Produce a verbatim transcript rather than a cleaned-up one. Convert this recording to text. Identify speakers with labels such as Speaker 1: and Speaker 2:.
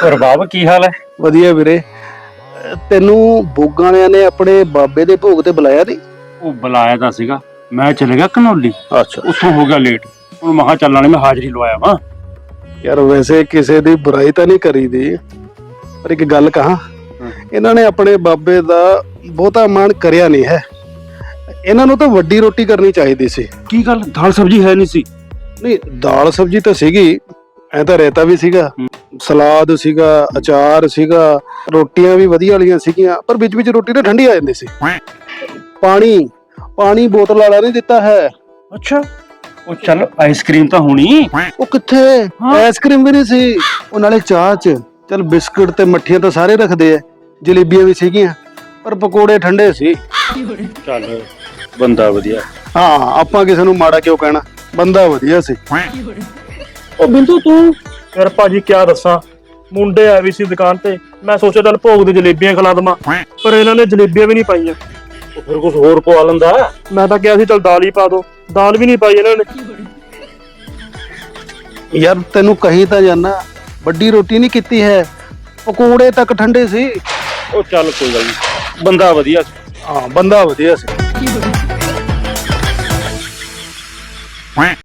Speaker 1: ਰਬਾਬ ਕੀ ਹਾਲ ਹੈ?
Speaker 2: ਵਧੀਆ ਵੀਰੇ। ਤੈਨੂੰ ਬੋਗਾਂ ਵਾਲਿਆਂ ਨੇ ਆਪਣੇ ਬਾਬੇ ਦੇ ਭੋਗ ਤੇ ਬੁਲਾਇਆ ਨਹੀਂ?
Speaker 1: ਉਹ ਬੁਲਾਇਆ ਤਾਂ ਸੀਗਾ, ਮੈਂ ਚਲੇ ਗਿਆ ਘਨੌਲੀ,
Speaker 2: ਅੱਛਾ।
Speaker 1: ਉੱਥੋਂ ਹੋ ਗਿਆ ਲੇਟ। ਹੁਣ ਮਹਾ ਚੱਲਣ ਵਾਲੀ ਮੈਂ ਹਾਜ਼ਰੀ ਲਵਾਇਆ ਵਾ।
Speaker 2: ਯਾਰ ਵੈਸੇ ਕਿਸੇ ਦੀ ਬੁਰਾਈ ਤਾਂ ਨਹੀਂ ਕਰੀਦੀ, ਪਰ ਇੱਕ ਗੱਲ ਕਹਾਂ, ਇਹਨਾਂ ਨੇ ਆਪਣੇ ਬਾਬੇ ਦਾ ਬਹੁਤਾ ਮਾਣ ਕਰਿਆ ਨਹੀਂ ਹੈ। ਇਹਨਾਂ ਨੂੰ ਤਾਂ ਵੱਡੀ ਰੋਟੀ ਕਰਨੀ ਚਾਹੀਦੀ ਸੀ।
Speaker 1: ਕੀ ਗੱਲ, ਦਾਲ ਸਬਜ਼ੀ ਹੈ ਨਹੀਂ ਸੀ?
Speaker 2: ਨਹੀਂ, ਦਾਲ ਸਬਜ਼ੀ ਤਾਂ ਸੀਗੀ, ਐ ਤਾਂ ਰਾਇਤਾ ਵੀ ਸੀਗਾ, ਸਲਾਦ ਸੀਗਾ, ਅਚਾਰ ਸੀਗਾ, ਰੋਟੀਆਂ ਵੀ ਵਧੀਆ ਵਾਲੀਆਂ ਸੀਗੀਆਂ, ਪਰ ਵਿੱਚ ਵਿੱਚ ਰੋਟੀ ਤਾਂ ਠੰਡੀ ਆ ਜਾਂਦੀ ਸੀ। ਪਾਣੀ ਪਾਣੀ ਬੋਤਲ ਵਾਲਾ ਨਹੀਂ ਦਿੱਤਾ ਹੈ।
Speaker 1: ਅੱਛਾ, ਉਹ ਚੱਲ ਆਈਸਕ੍ਰੀਮ ਤਾਂ ਹੋਣੀ।
Speaker 2: ਉਹ ਕਿੱਥੇ, ਆਈਸਕ੍ਰੀਮ ਵੀ ਨਹੀਂ ਸੀ। ਉਹ ਨਾਲੇ ਚਾਹ ਚ ਚੱਲ ਬਿਸਕੁਟ ਤੇ ਮੱਠੀਆਂ ਤਾਂ ਸਾਰੇ ਰੱਖਦੇ ਆ, ਜਲੇਬੀਆਂ ਵੀ ਸੀਗੀਆਂ, ਪਰ ਪਕੌੜੇ ਠੰਡੇ ਸੀ।
Speaker 1: ਚੱਲ ਬੰਦਾ ਵਧੀਆ।
Speaker 2: ਹਾਂ, ਆਪਾਂ ਕਿਸੇ ਨੂੰ ਮਾੜਾ ਕਿਉਂ ਕਹਿਣਾ, ਬੰਦਾ ਵਧੀਆ ਸੀ।
Speaker 3: ਉਹ ਬਿੰਦੂ ਤੂੰ ਯਾਰ ਭਾਜੀ ਕਿਆ ਦੱਸਾਂ, ਮੁੰਡੇ ਆਏ ਵੀ ਸੀ ਦੁਕਾਨ ਤੇ, ਮੈਂ ਸੋਚਿਆ ਚੱਲ ਭੋਗ ਦੀ ਜਲੇਬੀਆਂ ਖਿਲਾ ਦਵਾਂ, ਪਰ ਇਹਨਾਂ ਨੇ ਜਲੇਬੀਆਂ ਵੀ ਨਹੀਂ ਪਾਈਆਂ।
Speaker 1: ਉਹ ਫਿਰ ਕੁਝ ਹੋਰ ਪਵਾ ਲੈਂਦਾ।
Speaker 3: ਮੈਂ ਤਾਂ ਕਿਹਾ ਸੀ ਚੱਲ ਦਾਲ ਹੀ ਪਾ ਦੋ, ਦਾਲ ਵੀ ਨਹੀਂ ਪਾਈ ਇਹਨਾਂ ਨੇ।
Speaker 2: ਯਾਰ ਤੈਨੂੰ ਕਹੀ ਤਾਂ ਜਾਨਾ, ਵੱਡੀ ਰੋਟੀ ਨਹੀਂ ਕੀਤੀ ਹੈ, ਪਕੌੜੇ ਤੱਕ ਠੰਡੇ ਸੀ।
Speaker 1: ਉਹ ਚੱਲ ਕੋਈ ਗੱਲ ਨਹੀਂ, ਬੰਦਾ ਵਧੀਆ ਸੀ।
Speaker 2: ਹਾਂ, ਬੰਦਾ ਵਧੀਆ ਸੀ।